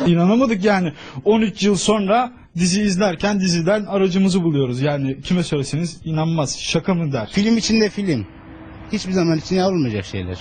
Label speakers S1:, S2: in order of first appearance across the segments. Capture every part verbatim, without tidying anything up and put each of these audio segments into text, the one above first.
S1: İnanamadık yani. on üç yıl sonra dizi izlerken diziden aracımızı buluyoruz. Yani kime söyleseniz inanmaz. Şaka mı der.
S2: Film içinde film. Hiçbir zaman içine alınmayacak şeyler.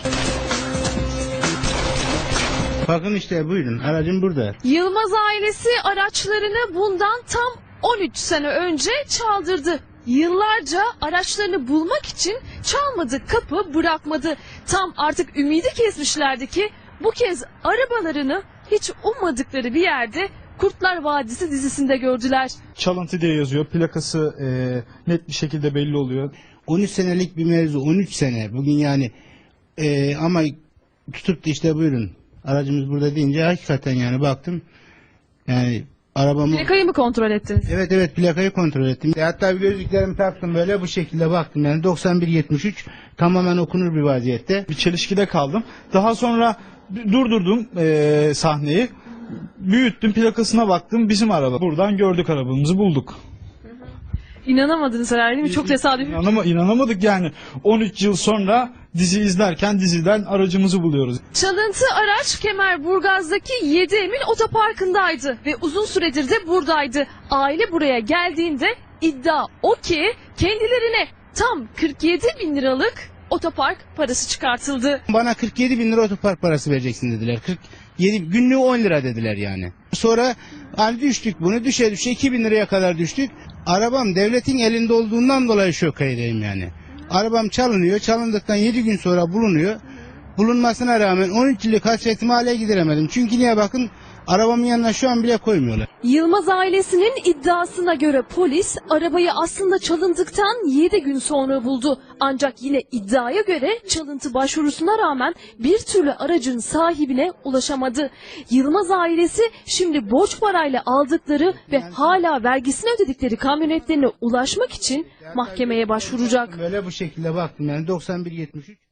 S2: Bakın işte buyurun, aracım burada.
S3: Yılmaz ailesi araçlarını bundan tam on üç sene önce çaldırdı. Yıllarca araçlarını bulmak için çalmadı, kapı bırakmadı. Tam artık ümidi kesmişlerdi ki bu kez arabalarını hiç ummadıkları bir yerde Kurtlar Vadisi dizisinde gördüler.
S1: Çalıntı diye yazıyor. Plakası e, net bir şekilde belli oluyor.
S2: on üç senelik bir mevzu, on üç sene. Bugün yani e, ama tutup da işte buyurun, aracımız burada deyince hakikaten yani baktım. Yani arabamı...
S3: Plakayı mı kontrol ettiniz?
S2: Evet evet, plakayı kontrol ettim. Hatta bir gözlüklerimi taktım, böyle bu şekilde baktım. Yani doksan bir yetmiş üç tamamen okunur bir vaziyette.
S1: Bir çelişkide kaldım. Daha sonra durdurdum e, sahneyi. Büyüttüm, plakasına baktım. Bizim araba. Buradan gördük, arabamızı bulduk.
S3: İnanamadınız herhalde değil mi? Çok tesadüfi.
S1: İnanama, inanamadık yani. on üç yıl sonra dizi izlerken diziden aracımızı buluyoruz.
S3: Çalıntı araç Kemerburgaz'daki Yedi Emin otoparkındaydı ve uzun süredir de buradaydı. Aile buraya geldiğinde iddia o ki kendilerine tam kırk yedi bin liralık otopark parası çıkartıldı.
S2: Bana kırk yedi bin lira otopark parası vereceksin dediler. kırk yedi günlüğü on lira dediler yani. Sonra hani düştük, bunu düşe düşe iki bin liraya kadar düştük. Arabam devletin elinde olduğundan dolayı şokaydım yani. Arabam çalınıyor. Çalındıktan yedi gün sonra bulunuyor. Bulunmasına rağmen on üç yıllık hasretimi hala gideremedim. Çünkü niye bakın, arabamın yanına şu an bile koymuyorlar.
S3: Yılmaz ailesinin iddiasına göre polis arabayı aslında çalındıktan yedi gün sonra buldu. Ancak yine iddiaya göre çalıntı başvurusuna rağmen bir türlü aracın sahibine ulaşamadı. Yılmaz ailesi şimdi borç parayla aldıkları ve hala vergisini ödedikleri kamyonetlerine ulaşmak için mahkemeye başvuracak.
S2: Böyle bu şekilde baktım yani doksan bir yetmiş üç.